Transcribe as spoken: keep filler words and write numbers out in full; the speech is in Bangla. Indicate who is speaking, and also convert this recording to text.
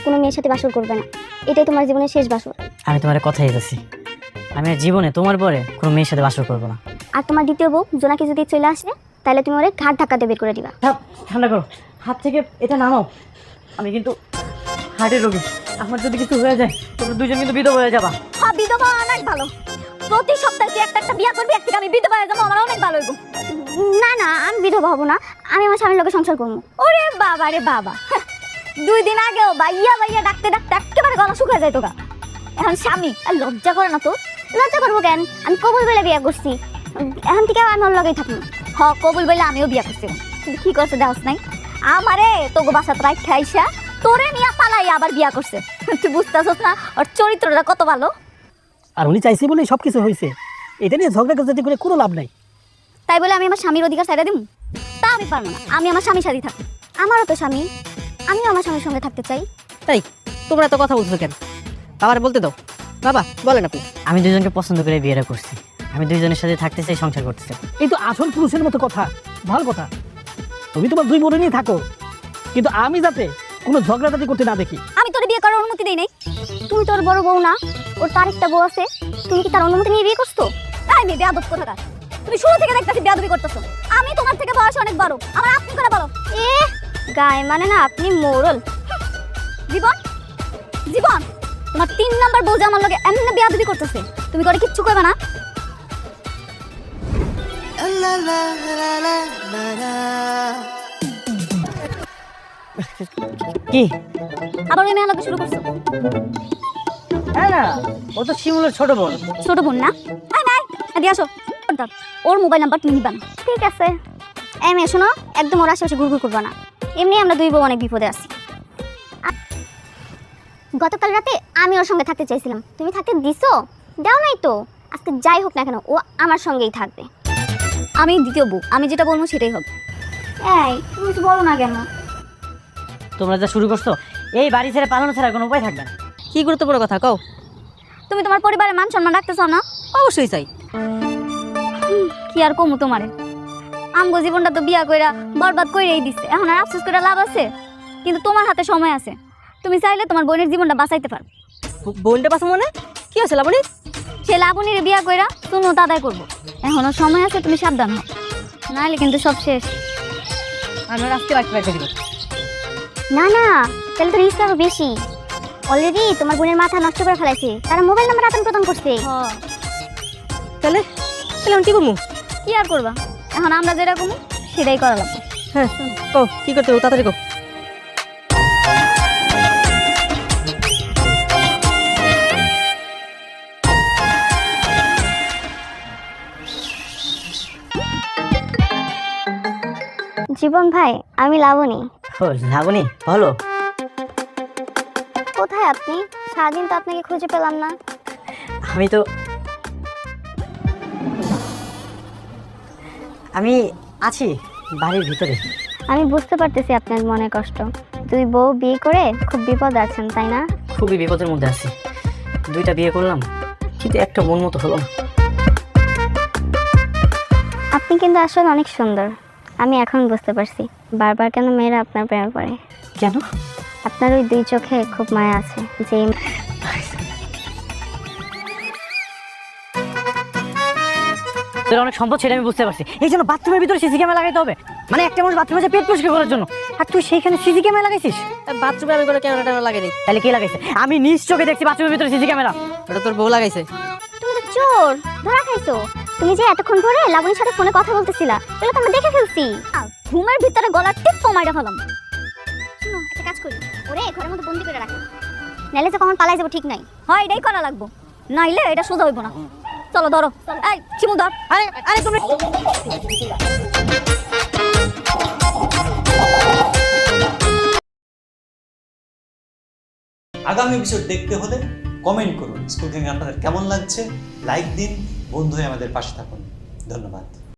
Speaker 1: কোনো মেয়ের সাথে বাসর করবে না, এটাই তোমার জীবনের শেষ বাসর।
Speaker 2: আমি তোমার কথাই দিতেছি, আমি আর জীবনে তোমার পরে কোনো মেয়ের সাথে বাসর করবো না।
Speaker 1: আর তোমার দ্বিতীয় বউ জোনাকি যদি চলে আসে, তাহলে তুমি ওরে ঘাট ধাক্কাতে বের করে দিবা।
Speaker 2: ঠান্ডা করো, হাত থেকে এটা নামাও। আমি কিন্তু হার্টের রোগী, আমার যদি কিছু হয়ে যায় তোমরা দুজন কিন্তু বিধবা হয়ে যাবা।
Speaker 1: হ্যাঁ, বিধবা অনেক ভালো। প্রতি সপ্তাহে তুই একটা একটা বিয়ে করবি, এক থেকে আমি বিধবা হয়ে যাবো, আমার অনেক ভালো হইব। না না, আমি বিধবা হব না, আমি আমার স্বামীর লোকে সংসার করবো। ওরে বাবা রে বাবা, দুই দিন আগেও ভাইয়া ভাইয়া ডাকতে ডাকতে একেবারে গলা শুকিয়ে যায় তোকা। এখন স্বামী আর লজ্জা করে না তো? লজ্জা করবো কেন? আমি কবুল বলে বিয়ে করছি, এখন থেকে আমি ওর লগেই থাকবো। হ, কবুল বলে আমিও বিয়ে করছি, কিন্তু কি করছে দেওয়াস নাই আমারে তোকে বাসাত রাখ খাইসা তোরে নিয়ে পালাই আবার বিয়া করছে। তুই বুঝতেছস না ওর চরিত্রটা কত ভালো?
Speaker 3: আর উনি চাইছে বলেই সব কিছু হয়েছে, এটা নিয়ে ঝগড়া কাজাটি করে কোনো লাভ নাই।
Speaker 1: তাই বলে আমি আমার স্বামীর অধিকার ছাইড়া দিব? তা আমি পারবো না, আমি আমার স্বামীর সাথে থাকি। আমারও তো স্বামী, আমিও আমার স্বামীর সঙ্গে থাকতে চাই।
Speaker 4: তাই তোমরা এত কথা বলছো কেন? বাবার বলতে দাও। বাবা বলেন আপনি।
Speaker 2: আমি দুজনকে পছন্দ করে বিয়েটা করছি, আমি দুইজনের সাথে থাকতে চাই, সংসার করতে চাই।
Speaker 3: এই তো আসল পুরুষের মতো কথা, ভালো কথা। তুমি তোমার দুই বোনে নিয়ে থাকো, কিন্তু আমি যাতে কোনো ঝগড়াঝাটি করতে না দেখি।
Speaker 1: আমি তোর বিয়ে করার অনুমতি দেই নাই। তুমি তোর বড় বউ না, ওর তার একটা বউ আছে, তুমি কি তার অনুমতি নিয়ে বিয়ে করছো? তাই মেয়ে বেয়াদব কোথাকার, তুমি শুরু থেকে দেখতেছি বেয়াদবি করতেছো। আমি তোমার থেকে বয়স অনেক বড়, আমার আপনি করে বলো। এ গায়ে মানে না, আপনি মোড়ল। জীবন জীবন তোমার তিন নাম্বার বউ যে আমার লগে এমনি বেয়াদবি করতেছে, তুমি করে কিচ্ছু করবে না?
Speaker 2: কি
Speaker 1: আবার ওই মেয়ে লগে শুরু করছো?
Speaker 2: না না, ও তো শিমুলের ছোট বোন।
Speaker 1: ছোট বোন না? আই নাই, এদিকে আসো। ওর মোবাইল নাম্বার তুমি নিবা না, ঠিক আছে? এই মেয়ে শোনো, একদম ওর আশেপাশে ঘুরঘুর করবা না, এমনি আমরা দুই বউ অনেক বিপদে আছি। গতকাল রাতে আমি ওর সঙ্গে থাকতে চাইছিলাম, তুমি থাকতে দিছো? দাও নাই তো। আজকে যাই হোক না কেন, ও আমার সঙ্গেই থাকবে। আমি দ্বিতীয় বউ, আমি যেটা বলবো সেটাই হবে। এই তুমি কিছু বলো না কেন?
Speaker 2: তোমরা যা শুরু করছো, এই বাড়ি ছেড়ে পালানো ছাড়া কোনো উপায় থাকবে না।
Speaker 4: কি গুরুত্বপূর্ণ কথা কও।
Speaker 1: তুমি তোমার পরিবারের মান সম্মান রাখতে চাও না?
Speaker 4: অবশ্যই চাই।
Speaker 1: কি আর কমু তোমারে, আমগো জীবনটা তো বিয়া কইরা বরবাদ কইরাই দিছে, এখন আর আফসোস করে লাভ আছে? কিন্তু তোমার হাতে সময় আছে, তুমি চাইলে তোমার বোনের জীবনটা বাঁচাইতে পারো।
Speaker 4: বোনটা পাশে মনে কি হয়েছে লাবণী?
Speaker 1: সে লাবণীর বিয়া কইরা তুমি আদায় করবো, এখনো সময় আছে, তুমি সাবধান হও, নাহলে কিন্তু সব শেষ।
Speaker 4: আমি আজকে রাখতে রাখতে দিব
Speaker 1: না না, তাহলে তো রিস্ক আরো বেশি। অলরেডি তোমার বোনের মাথা নষ্ট করে ফেলাইছে, তারা মোবাইল নাম্বার আদান প্রদান করছে।
Speaker 4: তাহলে তাহলে আমি কি করবো?
Speaker 1: কি আর করবা, এখন আমরা যেরকম সেটাই করা লাগবে।
Speaker 4: হ্যাঁ কও কি করতে হবে, তাড়াতাড়ি কও।
Speaker 1: জীবন ভাই, আমি লাবণী।
Speaker 2: ও লাবণী, বলো।
Speaker 1: কোথায় আপনি? সারাদিন তো আপনাকে খুঁজে পেলাম না।
Speaker 2: আমি তো আমি আছি বাড়ির ভিতরে।
Speaker 1: আমি বুঝতে পারতেছি আপনার মনে কষ্ট, দুই বউ বিয়ে করে খুব বিপদ আছেন, তাই না?
Speaker 2: খুবই বিপদের মধ্যে আছি, দুইটা বিয়ে করলাম কিন্তু একটা মন মতো হলো না।
Speaker 1: আপনি কিন্তু আসলে অনেক সুন্দর, আমি এখন বুঝতে পারছি বারবার কেন মেয়েরা আপনার প্রেমে পড়ে।
Speaker 2: কেন?
Speaker 1: আপনার ওই দুই চোখে খুব মায়া আছে, যে
Speaker 2: তোর অনেক সম্পদ, সেটা আমি বুঝতে পারছি। এই জন্য বাথরুমের ভিতরে সিসি ক্যামেরা লাগাইতে হবে, মানে একটা মানুষ বাথরুমে যে পেট পরিষ্কার করার জন্য, আর তুই সেইখানে সিসি ক্যামেরা লাগাইছিস?
Speaker 4: বাথরুমে আমি কোনো ক্যামেরা ট্যামেরা লাগাই নাই।
Speaker 2: তাহলে কে লাগাইছে? আমি নিজ চোখে দেখছি বাথরুমের ভিতরে সিসি ক্যামেরা।
Speaker 4: ওটা তোর বউ লাগাইছে।
Speaker 1: তুমি তো চোর, ধরা খাইছো। তুমি যে এতক্ষণ ধরে লাবণীর সাথে ফোনে কথা বলতেছিলা, এগুলো তো আমরা দেখে ফেলছি। ঘুমের ভিতরে গলার টিপ মাইরা ফেলাম। শুনো, একটা কাজ করি, ওরে ঘরের মধ্যে বন্দি করে রাখি, নাইলে যে কখন পালাই যাবো ঠিক নাই। হয় এটাই করা লাগবো, নাইলে এটা সোজা হইব না। চলো ধরো, এই চিমু ধর।
Speaker 4: আরে আরে তুমি
Speaker 5: আগামী এপিসোড দেখতে হলে কমেন্ট করুন। স্কুল গ্যাং আপনাদের কেমন লাগছে, লাইক দিন, বন্ধু হয়ে আমাদের পাশে থাকুন। ধন্যবাদ।